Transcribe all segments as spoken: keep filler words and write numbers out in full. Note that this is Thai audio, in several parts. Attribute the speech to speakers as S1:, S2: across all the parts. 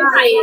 S1: ไทย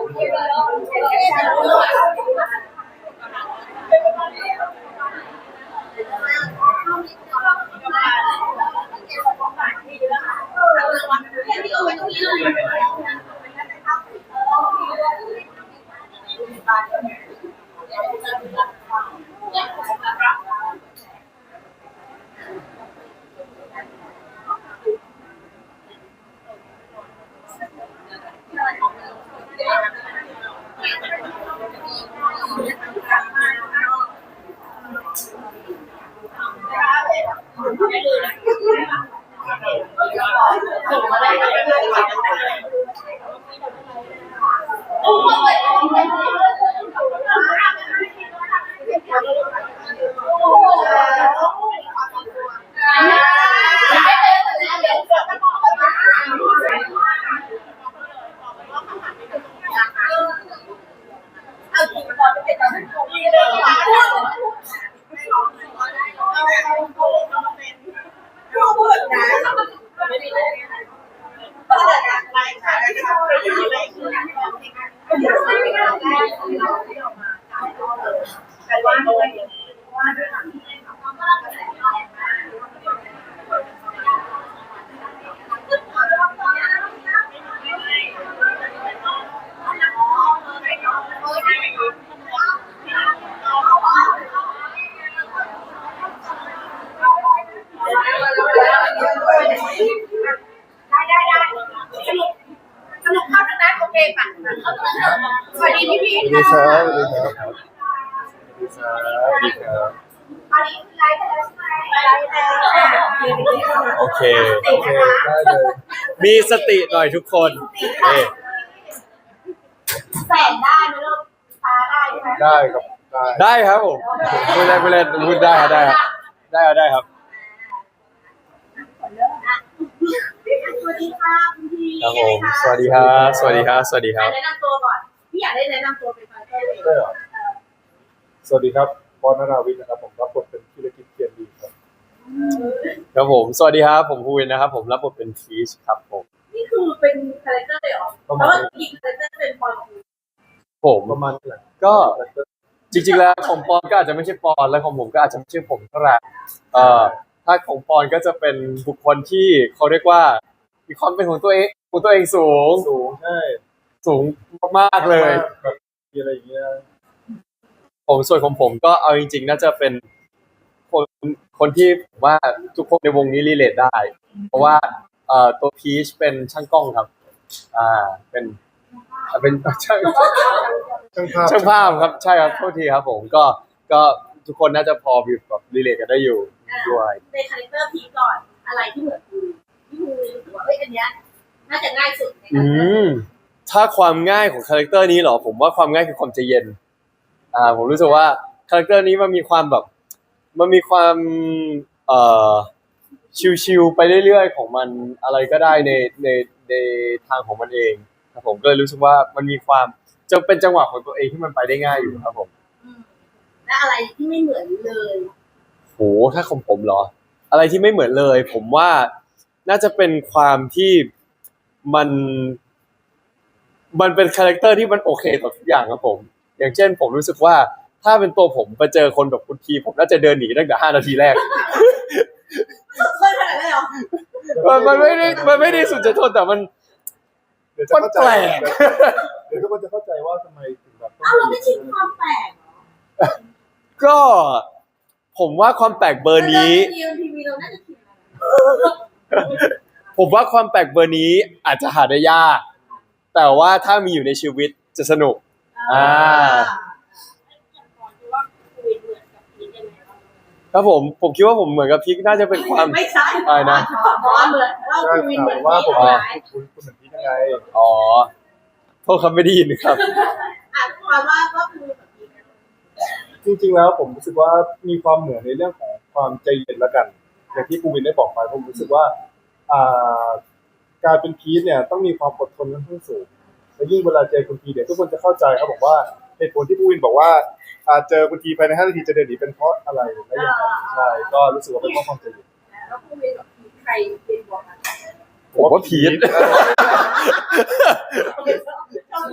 S1: สวัสดีพี่พีทค่ะสวัสดีครับสวัสดีครับตอนนี้ไลฟ์แล้วใช่ไหมไลฟ์แล้วโอเคโอเคได้เลยมีสติหน่อยทุกคนแสงได้ไหมลูกฟ้าได้ไหมได้ครับได้ครับผมพูดได้พูดได้พูดได้ครับได้ครับได้ครับได้ครับสวัสดีค่ะคุณพีครับผมสวัสดีครับสวัสดีครับสวัสดีครับแนะนำตัวก่อนพี่อยากได้แนะนำตัวเป็นใครได้เหรอสวัสดีครับปอนนราวิทย์นะครับผมรับบทเป็นธีรกิจเกียรติดีครับครับผมสวัสดีครับผมภูวินนะครับผมรับบทเป็นทีชครับผมนี่คือเป็นคาแรคเตอร์เลยเหรอเพราะว่าอีกคาแรคเตอร์เป็นปอนผมประมาณนั้นก็จริงๆแล้วของปอนก็อาจจะไม่ใช่ปอนและของผมก็อาจจะไม่ใช่ผมเท่าไหร่เอ่อถ้าของปอนก็จะเป็นบุคคลที่เขาเรียกว่ามีความเป็นของตัวเองของตัวเองสูงสูงใช่สูงมากๆเลยแบบมีอะไรอย่างเงี้ยผมส่วนของผมก็เอาจริงๆน่าจะเป็นคนคนที่ผมว่าทุกคนในวงนี้รีเลทได้เพราะว่าเอ่อตัวพีชเป็นช่างกล้องครับอ่าเป็นเป็นช่างช่างภาพช่างภาพครับใช่ครับโทษทีครับผมก็ก็ทุกคนน่าจะพอแบบรีเลทกันได้อยู่ด้วยในคาแรคเตอร์พีชก่อนอะไรที่เหมือนพี่ภูรู้สึกว่าเอ้ยอันเนี้ยน่าจะง่ายสุดในการอืมถ้าความง่ายของคาแรคเตอร์นี้เหรอผมว่าความง่ายคือความใจเย็นอ่าผมรู้สึกว่าคาแรคเตอร์นี้มันมีความแบบมันมีความเอ่อชิลๆไปเรื่อยๆของมันอะไรก็ได้ในในในทางของมันเองครับผมก็เลยรู้สึกว่ามันมีความจะเป็นจังหวะของตัวเองที่มันไปได้ง่ายอยู่ครับผมและอะไรที่ไม่เหมือนเลยโหถ้าของผมเหรออะไรที่ไม่เหมือนเลยผมว่าน่าจะเป็นความที่มันมันเป็นคาแรคเตอร์ที่มันโอเคต่อทุกอย่างครับผมอย่างเช่นผมรู้สึกว่าถ้าเป็นตัวผมไปเจอคนแบบคุณทีผมน่าจะเดินหนีตั้งแต่ห้านาทีแรกเคยขนาดนั้นเหรอมันมันไม่ได้มันไม่ได้สุดจะทนแต่มันมันแปลกเดี๋ยวทุกคนจะเข้าใจว่าทำไมถึงแบบอ้าวเราไม่ชินความแปลกก็ผมว่าความแปลกเบอร์นี้ผมว่าความแปลกเบอร์นี้อาจจะหาได้ยากแต่ว่าถ้ามีอยู่ในชีวิตจะสนุกอ่าครับผมผมคิดว่าผมเหมือนกับพีคน่าจะเป็นความไม่ใช่อะไรนะเพราะว่าเหมือนว่าคุณวินเหมือนว่าผมคุณคุณเหมือนพีคยังไงอ๋อโทษครับไม่ได้ยินครับอ่ะความว่าว่าคุณเหมือนพีคจริงๆแล้วผมรู้สึกว่ามีความเหมือนในเรื่องของความใจเย็นละกันอย่างที่คุณวินได้บอกไปผมรู้สึกว่าอ่าการเป็นพีชเนี่ยต้องมีความอดทนค่อนข้างสูงและยิ่งเวลาเจอคุณพีเนี่ยทุกคนจะเข้าใจครับบอกว่าเหตุผลที่ผู้วินบอกว่าเจอคุณพีภายในห้านาทีจะเดินหนีเป็นเพราะอะไรและอย่างไรใช่ก็รู้สึกว่าเป็นเพราะความใจเย็นแล้วผู้วินกับพีชใครเป็นบอกกันผมว่าพีชทำไม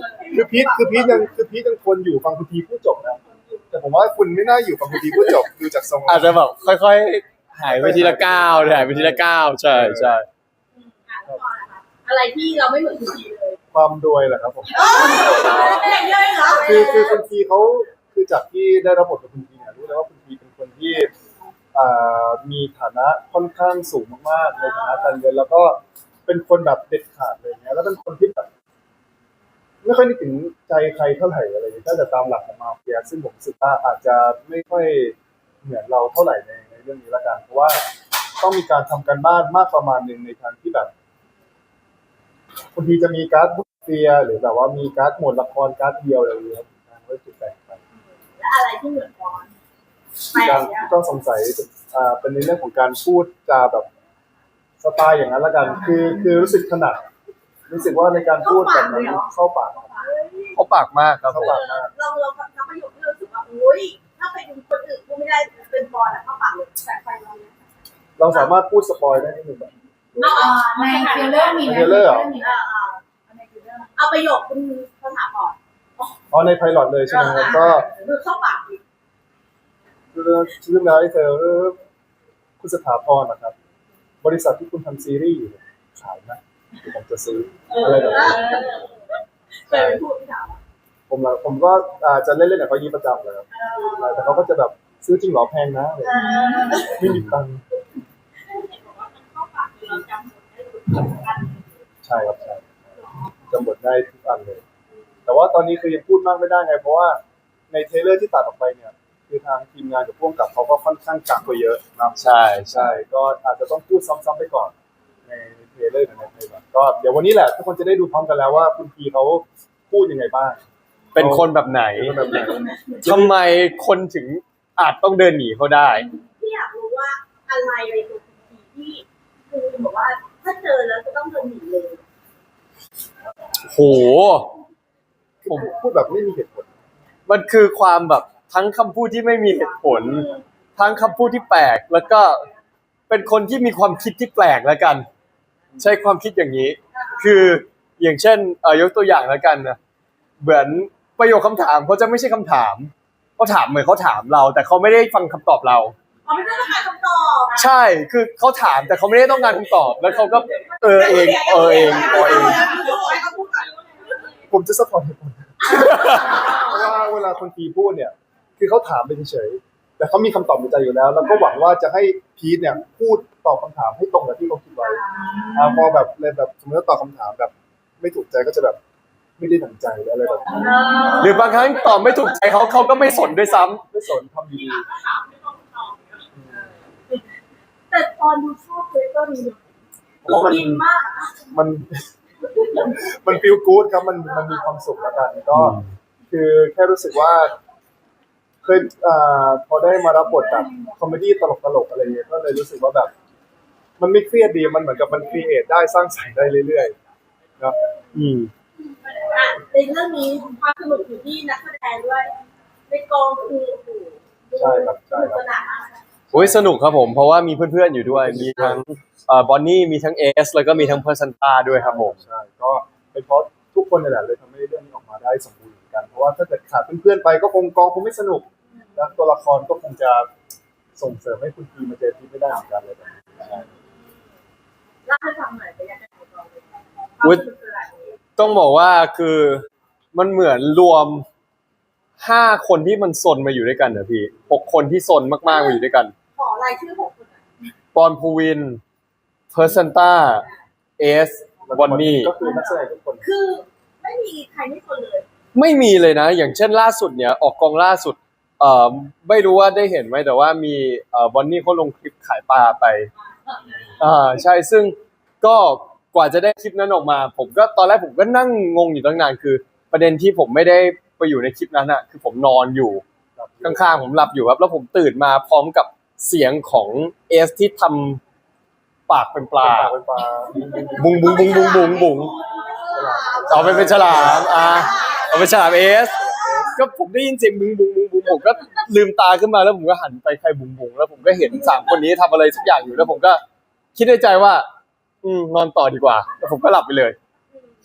S1: พีทคือพีทยังคือพีทยังคนอยู่ฟังคุณทีพูดจบนะแต่ผมว่าคุณไม่น่าอยู่ฟังคุณทีพูดจบดูจากทรง
S2: อาจจะแบบค่อยๆหายไปทีละก้าวหายไปทีละก้าวใช่ใช่
S3: อะไรที่เราไม่เหมือนคุณทีเลย
S1: ความรวยแหละครับผม
S3: อย่างเดียวเองเหรอ
S1: คือคือคุณทีเขาคือจากที่ได้รับบทกับคุณทีเนี่ยรู้เลยว่าคุณทีเป็นคนที่อ่ามีฐานะค่อนข้างสูงมากๆในฐานะการเงินแล้วก็เป็นคนแบบเด็ดขาดเลยเนี่ยแล้วเป็นคนที่แบบไม่ค่อยนึกถึงใจใครเท่าไหร่อะไรอย่างเงี้ยถ้าจะตามหลักของมาเฟียซึ่งผมรู้สึกว่าอาจจะไม่ค่อยเหมือนเราเท่าไหร่ในในเรื่องนี้ละกันเพราะว่าต้องมีการทำการบ้านมากประมาณหนึ่งในทางที่แบบบางทีจะมีการ์ดมาเฟียหรือแบบว่ามีการ์ดโหมดละครการ์ดเดียวอะไรอย่างเงี้ยครับก็จุดแตกไป
S3: และอะไรที่เหมือนบอลแปล
S1: การ
S3: กเนี่ย
S1: ต้องสงสัยอ่าเป็นในเรื่องของการพูดจาแบบสไตล์อย่างนั้นละกัน คือคือรู้สึกถนัดรู้สึกว่าในการพูดแบบนั้นเข้าปาก
S2: เขาปากมากครับผ
S1: เข้าม ปากมาก
S3: เราเราทำประโยคที่เรารู้สึกว่าอุ้ยถ้าเป็นคนอื่นพูดไม่ได้เป็นบอลอะเข้าปากเลยแต่ไปเราเนี่ย
S1: เราสามารถพูดสปอยได้นิดนึงแบบ
S3: ในเทรลเลอร์มี
S1: ในเทรลเลอร์เหรอ
S3: เอาประโยคคุณภาษาก่อน
S1: อ๋อในไพลอตเลยใช่ไหมครับก็
S3: คือเข้าปาก
S1: เรื่องเรื่องราวที่เธอคุณสถาพรนะครับ บริษัทที่คุณทำซีรีส์อยู่เนี่ยขายนะผมจะซื้ออะไรแบบนี้
S3: เคยไปพูดที่ถาม
S1: ผมละผมก็อาจจะเล่นๆกับเขายี้ประจำเลยครับแต่เขาก็จะแบบซื้อจริงเหรอแพงนะอะไรอย่างเงี้ยไม่มีตังค์
S3: เข้าปากเราจำหมดได้ทุกอัน
S1: ใช่ครับใช่จำบทได้ทุกอันเลย แต่ว่าตอนนี้คือยังพูดมากไม่ได้ไง เพราะว่าในเทรลเลอร์ที่ตัดออกไปเนี่ย คือทางทีมงานกับพ่วงกับเขาก็ค่อนข้างกักไปเยอะนะ
S2: ใช่ใช่
S1: ใช่ก็อาจจะต้องพูดซ้ำๆไปก่อน ในเทรลเลอร์ในในแบบก็เดี๋ยววันนี้แหละทุกคนจะได้ดูพร้อมกันแล้วว่าคุณพีเขาพูดยังไงบ้าง
S2: เป็นคนแบบไหน
S1: เป็นแบบไหน
S2: ทำไมคนถึงอาจต้องเดินหนีเขาได้
S3: ที่อยากรู้ว่าอะไรในตัวคุณทีที่คือบอกว่าถ้าเจอแล้วจะต้องเดินหนีเลย
S2: โห
S1: ผมพูดแบบไม่มีเหตุผล
S2: มันคือความแบบทั้งคำพูดที่ไม่มีเหตุผล ทั้งคำพูดที่แปลก แล้วก็เป็นคนที่มีความคิดที่แปลกแล้วกัน ใช้ความคิดอย่างนี้ คืออย่างเช่นเอ่อยกตัวอย่างแล้วกันนะเหมือนประโยคคำถามเขาจะไม่ใช่คำถามเขาถามเหมือนเขาถามเรา แต่เขาไม่ได้ฟังคำตอบเรา
S3: อ๋อไม่ต้องการคำตอบ
S2: ใช่คือเขาถามแต่เขาไม่ได้ต้องการคำตอบ แล้วเขาก็เออเองเออเองเออเอง
S1: ผมจะสปอร์ตเหตุผล เพราะว่าเวลาคนพีพูดเนี่ย คือเขาถามไปเฉยๆแต่เขามีคำตอบในใจอยู่แล้ว แล้วก็หวังว่าจะให้พีทเนี่ยพูดตอบคำถามให้ตรงกับที่เขาคิดไว้อ่าพอแบบเลยแบบสมมติว่าตอบคำถามแบบ ไม่ถูกใจก็จะแบบไม่ได้ดั่งใจหรืออะไรแบบนี้
S2: หรือบางครั้งตอบไม่ถูกใจเขาเขาก็ไม่สนด้วยซ้ำ
S1: ไม่สนทำดี
S3: แต่ตอนดูชอบเทเตอร์นี้
S1: ๆเพราะมัน
S3: อินมาก
S1: มัน มันฟีลกู๊ดครับมันมันมีความสุขแล้วกันก็ คือแค่รู้สึกว่า เคยอ่าพอได้มารับบทแบบคอมเมดี้ตลกๆอะไรเงี้ยก็เลยรู้สึกว่าแบบ มันไม่เครียดดีมันเหมือนกับมันครีเอทได้สร้างสรรค์ได้เรื่อยๆเนาะ
S2: อืม
S3: อ่ะในเรื่องนี้ความสนุกอยู่ที่นักแสดงด้วยในกองคือโอ้โห
S1: ใช่ครับใช่ครับ
S3: สนานมาก
S2: โอ้ยสนุกครับผมเพราะว่ามีเพื่อนๆอยู่ด้วย มีทั้งเอ่อบอนนี่มีทั้งเอสแล้วก็มีทั้งเพอร์ซันตาด้วยครับผม
S1: ใช่ก็เป็นเพราะทุกคนนี่แหละเลยทำให้เรื่องนี้ออกมาได้สมบูรณ์เหมือนกันเพราะว่าถ้าเกิดขาดเพื่อนๆไปก็คงกองคงไม่สนุกแล้วตัวละครก็คงจะส่งเสริมให้คุณทีมาเจอที่ไม่ได้เหมือนกันเลยแบบนี้ใช่
S3: เล่าให้ฟังหน่อยเป็นยังไงของเราเลยความ
S2: อุ๊ย
S3: สนุกคืออะไร
S2: ต้องบอกว่าคือมันเหมือนรวมห้าคนที่มันซนมาอยู่ด้วยกันเหรอพี่หกคนที่ซนมากๆมาอยู่ด้วยกัน
S3: ขอรายชื่อหกคนหน่อย
S2: ปอนภูวินเพอร์ซันตาเอสบอนนี่
S1: ก็คือนักแสดงทุกคน
S3: คือไม่มีใครไม่คนเลย
S2: ไม่มีเลยนะ อย่างเช่นล่าสุดเนี่ยออกกองล่าสุดเอ่อไม่รู้ว่าได้เห็นไหมแต่ว่ามีเอ่อบอนนี่เขาลงคลิปขายปลาไปอ่าใช่ซึ่งก็กว่าจะได้คลิปนั้นออกมา ผมก็ตอนแรกผมก็นั่งงงอยู่ตั้งนานคือ ประเด็นที่ผมไม่ได้ไปอยู่ในคลิปนั้นอะคือผมนอนอยู่ข้างๆผมหลับอยู่ครับแล้วผมตื่นมาพร้อมกับเสียงของเอสที่ทำปากเป็นปลา
S1: ปากเป็นปลา
S2: บุงบุงบุงบุงบุงบุงเอาไปเป็นฉลามอ่าเอาเป็นฉลามเอสก็ผมได้ยินเสียงบุงบุงบุงบุงผมก็ลืมตาขึ้นมาแล้วผมก็หันไปใครบุงบุงแล้วผมก็เห็นสามคนนี้ทำอะไรสักอย่างอยู่แล้วผมก็คิดในใจว่า อืมนอนต่อดีกว่าแล้วผมก็หลับไปเลย
S3: ใน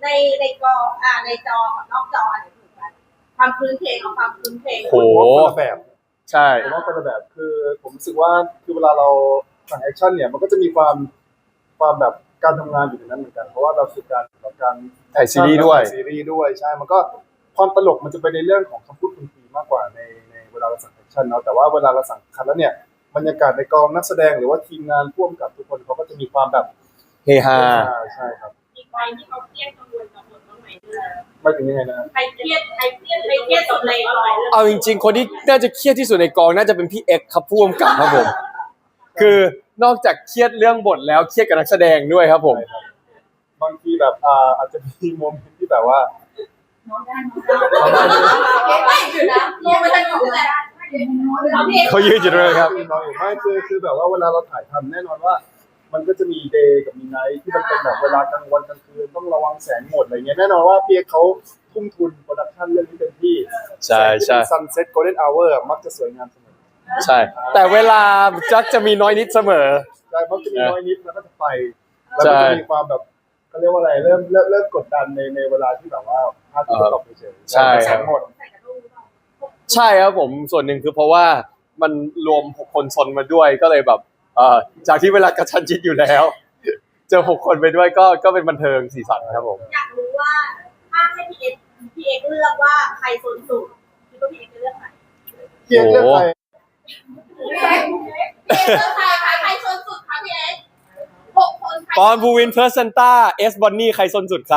S3: ในในจออ่าในจอกับนอกจออันไหนถูกกันความพื้นเพลงกับความพื้นเพลง
S2: โห
S1: ผมว่าคนละแบบ
S2: ใช่
S1: ผมว่าคนละแบบคือผมรู้สึกว่าคือเวลาเราสั่งแอคชั่นเนี่ยมันก็จะมีความความแบบการทำงานอยู่ในนั้นเหมือนกันเพราะว่าเราคือการเราการ
S2: ถ่ายซีรีส์ด้วย
S1: ถ่าซีรีส์ด้วยใช่มันก็ความตลกมันจะไปในเรื่องของคำพูดคุณทีมากกว่าในในเวลาเราสั่งแอคชั่นเนาะแต่ว่าเวลาเราสั่งคัดแล้วเนี่ยบรรยากาศในกองนักแสดงหรือว่าทีมงานร่วมกับทุกคนเขาก็จะมีความแบบ
S2: เฮฮา
S1: ใช่ครับ
S3: อีกใบที่เขาเครียดกังวลกังวลบ้างไหมเออ
S1: ไม่ถึงยังไงนะ
S3: ใครเครียดใครเครียดใครเครียดสุดเลยก่อน
S2: เอาจริงๆ คนที่น่าจะเครียดที่สุดในกองน่าจะเป็นพี่เอ็กซ์ครับผู้กำกับครับผม คือนอกจากเครียดเรื่องบทแล้วเครียดกับนักแสดงด้วยครับผม
S1: ใช่ครับบางทีแบบอ่าอาจจะมีโมเมนต์ที่แบบว่า
S3: น้องได้น้องได้ไม่อยู่นะลงไปทางนู้นแหละน้องพี่
S2: เขายืนอยู่ด้วยครับ
S1: น้อยอยู่ไม่คือคือแบบว่าเวลาเราถ่ายทำแน่นอนว่า มันก็จะมีเดย์กับมีไนท์ที่มันเป็นแบบเวลากลางวันกลางคืนต้องระวังแสงหมดอะไรเงี้ยแน่นอนว่าพี่เอกเขาทุ่มทุนโปรดักชั่นเรื่องนี้เต็มที่
S2: ใช่ใช่
S1: ซันเซ็ตโกลเด้นอเวอร์มักจะสวยงามเสมอ
S2: ใช่ แต่เวลาจักจะมีน้อยนิดเสมอ
S1: ใช่เพราะจะมีน้อยนิดแล้วก็จะไปแล้วก็จะมีความแบบเขาเรียกว่าอะไรเริ่มเริ่มเริ่มกดดันในในเวลาที่แบบว่าพลาดที่จะตกเฉยๆ
S2: ใช่ครับ
S1: แสงหมด
S2: ใช่ครับผมส่วนหนึ่งคือเพราะว่ามันรวมหกคนซนมาด้วยก็เลยแบบเอ่อจากที่เวลากระชันชิดอยู่แล้ว เจอหกคนไปด้วยก็ก็เป็นบันเทิงสีสันครับผม
S3: อยากรู้ว่าถ้าให้พี่เอ็กพี่เอ็กเลือกว่าใครโซนสุดคิดว่าพี่เอ็กจะเลือกใคร
S1: เพียงเรื่องใคร
S3: พี่เอ็กพี่เอ็กเลือกใครใครใครโซนสุดคะพี่เอ็กหกคนใคร
S2: ปอนบูวินเพอร์เซนต้าเอสบอนนี่ใครซนสุดครับ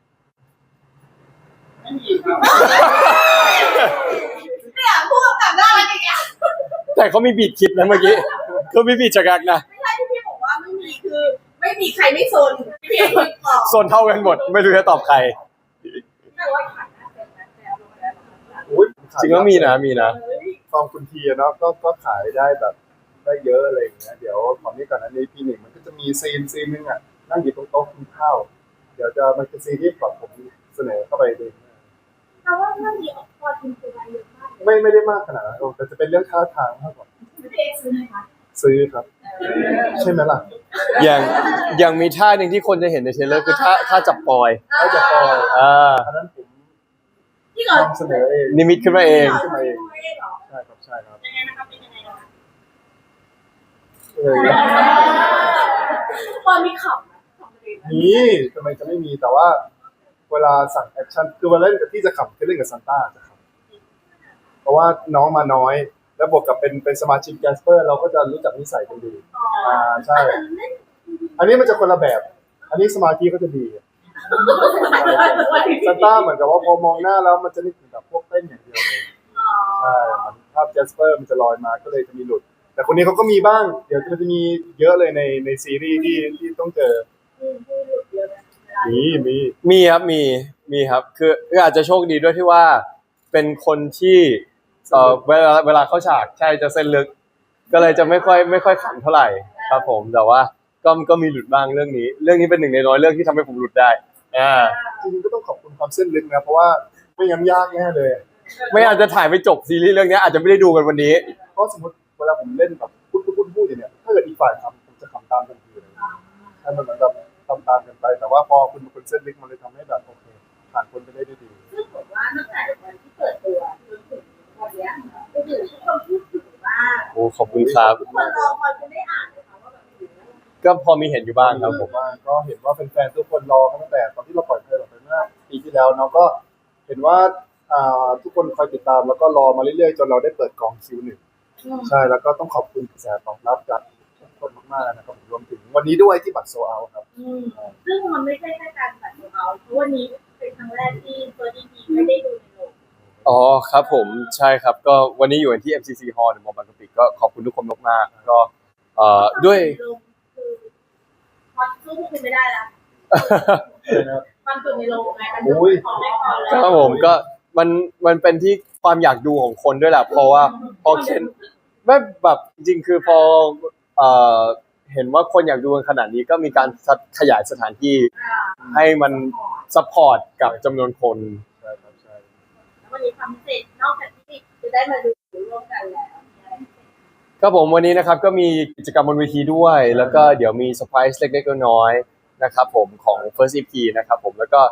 S3: เนี่ยพูดกับหน้าอะไรอย่างเงี้ย
S2: แต่เขามีบีดคลิปนะเมื่อกี้เขามีบีดจักรักนะ
S3: ไม่ใช่ที่พี่บอกว่าไม่มีคือ ไม่มีใครไม่โซนพี่เอ็กคิดต่อ
S2: ซนเท่ากันหมด ไม่รู้จะตอบใคร
S3: แต่ว่าขายหน้าเป็นนะแต่เอาลงแล้ว
S1: อุ๊ย
S2: จริงก็มีนะมีนะ
S3: เฮ้ย
S1: กองคุณทีอะเนาะก็ก็ขายได้แบบได้เยอะอะไรอย่างเงี้ยเดี๋ยวตอนนี้ก่อนอันนี้ปีหนึ่งมันก็จะมีซีนซีนนึงอ่ะนั่งอยู่ตรงโต๊ะกินข้าวเดี๋ยวจะมันจะซีนที่แบบผมเสนอเข้าไปเลย
S3: แต่ว่าเรื่องนี้ออกพอจริงคือรายเยอะมากเลย
S1: ไม่ไม่ได้มากขนาดนั้นหรอกแต่จะเป็นเรื่องท่าทางมากกว่า
S3: พี่เอ็กซื้อไหมคะ
S1: ซื้อครับ ใช่ไหมล่ะ
S2: อย่างอย่างมีท่าหนึ่งที่คนจะเห็นในเทรลเลอร์คือท่าท่าจับปอย
S1: ถ้าจะปล่อย
S2: อ่า
S1: อันนั้นผม
S3: ที่ก่อน
S1: นำเสนอเอง
S2: นิมิตขึ้นมาเอง
S3: ขึ้นมาเองเหรอ
S1: ใช่ครับใช่ครับ
S3: ยังไงนะครับเป็นยังไงนะคะ
S1: เออ
S3: ตอนมีขำนะขำเลย
S1: มีทำไมจะไม่มีแต่ว่า เวลาสั่งแอคชั่นคือเวลาเล่นกับที่จะขำคือเล่นกับซันต้าจะขำเพราะว่าน้องมาน้อย แล้วบวกกับเป็นเป็นสมาชิกแกสเปอร์ เราก็จะรู้จักนิสัยกันดีอ่าใช่ อันนี้มันจะคนละแบบ อันนี้สมาธิก็จะดีซันต้าเหมือนกับว่าพอมองหน้าแล้วมันจะนึกถึงแบบพวกเต้นอย่างเดียวเลยใช่เหมันภาพแจสเปอร์มันจะลอยมาก็เลยจะมีหลุด แต่คนนี้เขาก็มีบ้าง เดี๋ยวมันจะมีเยอะเลยในในซีรีส์ที่ที่ต้องเจอ มีมี
S2: มีครับมีมีครับคือคืออาจจะโชคดีด้วยที่ว่าเป็นคนที่เอ่อเวลาเวลาเข้าฉากใช่จะเส้นลึก ก็เลยจะไม่ค่อยไม่ค่อยขำเท่าไหร่ครับผมแต่ว่าก็ก็มีหลุดบ้างเรื่องนี้ เรื่องนี้เป็นหนึ่งในน้อยเรื่องที่ทำให้ผมหลุดได้อ่า
S1: จริงๆก็ต้องขอบคุณความเส้นลึกนะเพราะว่าไม่งั้นยากแน่เลย
S2: ไม่อาจจะถ่ายไม่จบซีรีส์เรื่องนี้อาจจะไม่ได้ดูกันวันนี้
S1: เพราะสมมติเวลาผมเล่นแบบพูดพูดพูดพูดอย่างเนี้ยถ้าเกิดอีกฝ่ายทำผมจะขำตามทันทีเลยให้มันเหมือนแบบทำตามกันไป แต่ว่าพอคุณเป็นคนเส้นลึกมันเลยทำให้แบบโอเคผ่านคนไปได้ด้วยดี
S3: ซึ่งผมว่าตั้งแต่วันที่เปิดตัวจนถึงวันเนี้ยก็คือทุกคนพูดถึงว่า
S2: โอ้ขอบคุณครับ
S3: ทุกคนรอคอยจะได้อ่านเลยค่ะว่าแบบ
S2: ก็พอมีเห็นอยู่บ้างครับผม
S1: ว่าก็เห็นว่าแฟนๆทุกคนรอกันตั้งแต่ตอนที่เราปล่อยเพลงออกไปเมื่อปีที่แล้วเนาะก็เห็นว่าอ่าทุกคนคอยติดตามแล้วก็รอมาเรื่อยๆจนเราได้เปิดกองคิวหนึ่งใช่แล้วก็ต้องขอบคุณกระแสตอบรับจากทุกคนมากๆนะครับรวมถึงวันนี้ด้วยที่บัตรโซเอาครับ
S3: อืมซึ่งมันไม่ใช่แค่การตัดของเราเพราะวันนี้เป็นครั้งแรกที่เฟิร์สดีพีไม่ได้ดูในโรง
S2: อ๋อครับผมใช่ครับก็วันนี้อยู่ที่ เอ็ม ซี ซี Hall ในมอบางกะปิก็ขอบคุณทุกคนมากๆก็เอ่อด้วย
S3: คือพอสู้พวกคุณไม่ได้ละมันคือในโรงไงมันดูของแรกก่อนแล้ว
S2: ครับผมก็มันมันเป็นที่ความอยากดูของคนด้วยแหละเพราะว่าพอเคนไม่แบบจริงๆคือพอเอ่อเห็นว่าคนอยากดูกันขนาดนี้ก็มีการขยายสถานที่ให้มันซัพพอร์ตกับจำนวนคน
S1: ใช่ครับใช่
S3: แล้ววันนี้ความพิเศษนอกจากที่จะได้มาดูร่วมกันแล้ว
S2: ครับผมวันนี้นะครับก็มีกิจกรรมบนเวทีด้วย แล้วก็เดี๋ยวมีเซอร์ไพรส์เล็กๆน้อยๆนะครับผมของ First อี พี นะครับผมแล้วก็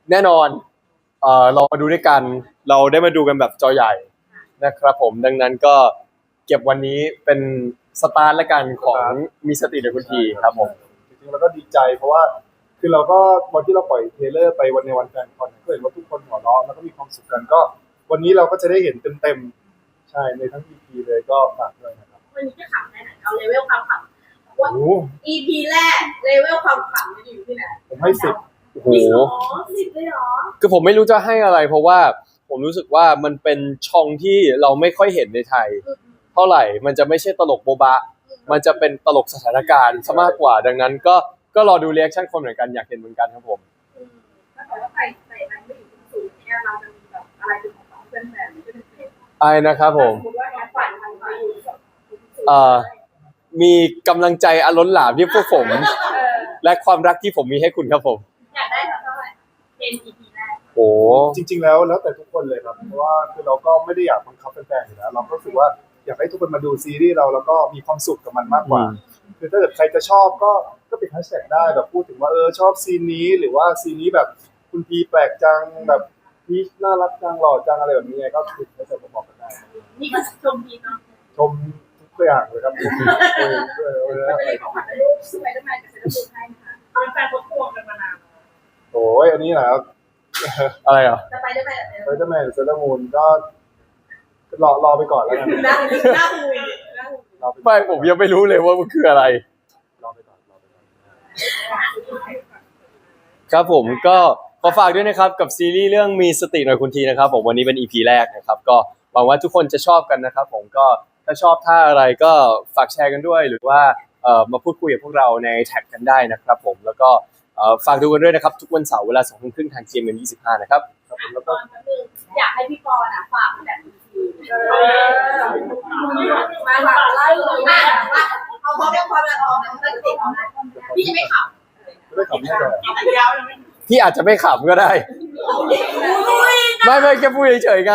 S2: แน่นอนเอ่อเรามาดูด้วยกันเราได้มาดูกันแบบจอใหญ่นะครับผมดังนั้นก็เก็บวันนี้เป็นสตาร์ทและกันของมีสติในคุณทีครับผม
S1: จริงๆแล้วก็ดีใจเพราะว่าคือเราก็วันที่เราปล่อยเทรลเลอร์ไปวันในวันแฟนคอนก็เห็นว่าทุกคนหัวเราะแล้วก็มีความสุขกันก็วันนี้เราก็จะได้เห็นเต็มๆใช่ในทั้ง อี พี เลยก็ฝากด้วยนะครับ
S3: วันนี้จะขำได้ไหนเอาเลเวลความขำว่า
S1: โอ้โห
S3: อี พี แรกเลเวลความขำมันอยู่ที่ไหน
S1: ผมให้สิบ
S2: โอ้โห
S3: จริงเหรอสิบเลยเหรอ
S2: คือผมไม่รู้จะให้อะไรเพราะว่าผมรู้สึกว่ามันเป็นช่องที่เราไม่ค่อยเห็นในไทย เท่าไหร่มันจะไม่ใช่ตลกโบบะ มันจะเป็นตลกสถานการณ์ซะมากกว่า ดังนั้นก็ก็รอดูเรีแอคชั่นคนเหมือนกันอยากเห็นเหมือนกันครับผม
S3: อืมถ้าเกิดว่าใครใส่มันไม่อยู่สูงเนี่ยเราจะมีแบบอะไรเป็นของของเพื่อนแบบนี้ก็เป็นเพลง
S2: ไอ้นะครับผม
S3: สมมติว่าแอปฝันทางไปอยู่สูง
S2: เอ่อ มีกำลังใจอันล้นหลามที่พวกผม
S3: เออ
S2: และความรักที่ผมมีให้คุณครับผม
S3: อยากได้เท่าไหร่เป็น อี พี แรก
S2: โอ้
S1: จริงๆแล้วแล้วแต่ทุกคนเลยครับเพราะว่าคือเราก็ไม่ได้อยากบังคับแฟนๆอยู่แล้วเราก็รู้สึกว่าอยากให้ทุกคนมาดูซีรีส์เราแล้วก็มีความสุขกับมันมากกว่า คือถ้าเกิดใครจะชอบก็ก็เป็นแฮชแท็กได้แบบพูดถึงว่าเออชอบซีนนี้หรือว่าซีนนี้แบบคุณพีแปลกจังแบบพีชน่ารักจังหล่อจังอะไรแบบนี้ไงก็คือแฮชแท็กมาบอกกันได้
S3: นี่ก็ชมพีเนาะ
S1: ชมทุกอย่างเลยครับเออเออเออ
S3: ไม่
S1: อะไร
S3: ได้ของขวัญให้ลูกสไปเดอร์แมนกับเซเลบริตี้ให้นะคะเป็นแฟนเขาทวงกันมานาน
S1: โอ้ยอันนี้แหละครับ
S2: อะไรอ่ะ
S3: สไปเดอร์แมนกับเซเลบริตี้
S1: ไฟเดอร์แมนเซเลอร์มูนก็รอรอไปก่อนแล้วกัน
S3: หน้าหน้าหุยหน้าหุย
S1: รอไปก่
S2: ไม่
S1: อน
S2: ผมยังไม่รู้เลยว่ามันคืออะไร
S1: รอไปก่อนรอไปก่อน
S2: ครับผมก็ขอฝากด้วยนะครับกับซีรีส์เรื่องมีสติหน่อยคุณทีนะครับผมวันนี้เป็น อี พี แรกนะครับก็หวังว่าทุกคนจะชอบกันนะครับผมก็ถ้าชอบท่าอะไรก็ฝากแชร์กันด้วย หรือว่าเอ่อมาพูดคุยกับพวกเราในแท็กกันได้นะครับผมแล้วก็เอ่อฝากดูกันด้วยนะครับทุกวันเสาร์เวลาสองทุ่มครึ่งทาง จี เอ็ม เอ็ม ยี่สิบห้านะครับ
S1: ครับผมแล้ว
S3: ต
S1: ก็
S3: อนนึงอยากให้พี่ปอนอ่ะฝากแบบทีมาฝากไล่เลยมาเอาพร้อมยังพร้อมแล้วพร้อมแล้วตั้งติดพี่จะไม่ขับ
S1: ไม่ได้ขำแน่เลย
S3: ยาวยังไม่
S2: พี่อาจจะไม่ขำก็ได้ ไม่ไม่แค่พูดเฉยๆไง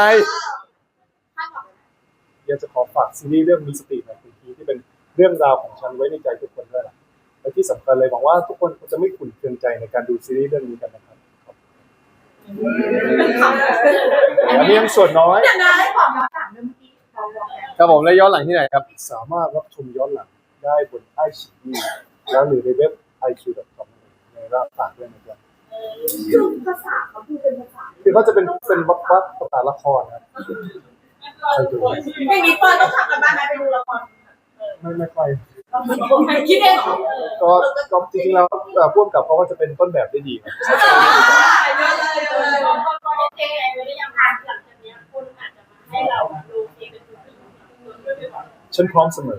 S1: อยากจะขอฝากซีรีส์เรื่องมีสติหน่อยคุณพีที่เป็นเรื่องราวของฉันไว้ในใจทุกคนด้วยล่ะและที่สำคัญเลยหวังว่าทุกคนจะไม่ขุ่นเคืองใจในการดูซีรีส์เรื่องนี้กันนะครับอันนี้ยังส่วนน้อย
S3: เดี๋ยวนะให้ความย้อนหลังเมื่อกี้เราบอกแล้ว
S2: ครับผมแล้วย้อนหลังที่ไหนครับ
S1: สามารถรับชมย้อนหลังได้บนไอชีวีแล้วหรือในเว็บ ไอ คิว ดอท คอม ในรับฝากด้วยนะครับ
S3: คือภาษาเขาพูดเป็นภาษา
S1: คือเขาจะเป็นเป็นวักวักภาษาละครนะครับ
S3: ไม่มีเปิดต้องทำกันบ้านไหมไปดูละคร
S1: ไม่ไม่ค่อย
S3: คิดเองเหรอ
S1: ก็ก็จริงๆแล้วเอ่อพ่วงกับเขาก็จะเป็นต้นแบบได้ดีครับ
S3: เยอะเลยเยอะเลยพอพอเจ๊ไงไม่ได้ยังทานหลังจากนี้คุณอาจจะมาให้เราดูเองเป็นตัวจริง
S1: ฉันพร้อมเสมอ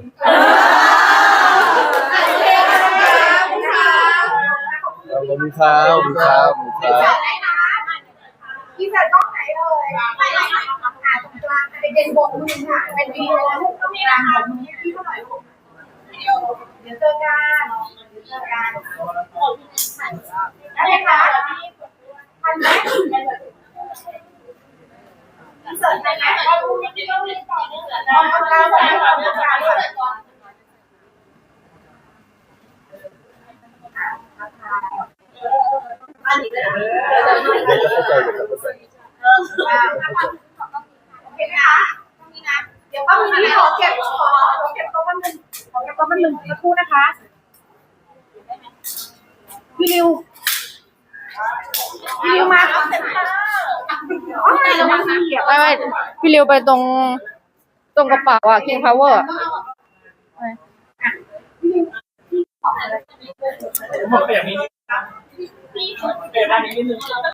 S2: ขอบคุณครับขอบคุณครับขอบคุณครับ
S3: พี่แฟนกล้องไหนเลยไปไหนหาตรงกลางเป็นเด่นบงมือค่ะเป็นวีแล้วก็มีราคาพี่เท่าไหร่ลูกเดี๋ยวเดี๋ยวเจอกันเดี๋ยวเจอกันอะไรคะทันไหมเสิร์ฟไหนไหนก็รู้ยังไม่ต้องเรียนต่อเนื่องเลยนะกลางวันกลางวันกลางวันอันนี้เลย
S1: เดี๋ยวจะเข้าใจเดี๋ยวจะเข้าใจ
S3: เออโอเคไหมคะตรงนี้นะเดี๋ยวป้ามีที่ขอเก็บขอขอเก็บโต๊ะแป๊บนึงขอเก็บโต๊ะแป๊บนึงสักครู่นะคะพี่ริวพี่ริวมาอ๋อไหนระวังนะ
S4: ไม่ไม่พี่ริวไปตรงตรงกระเป๋าอะ King Power อะ
S3: บอกแบบนี้เปลี่ยนด้านนี้นิดนึง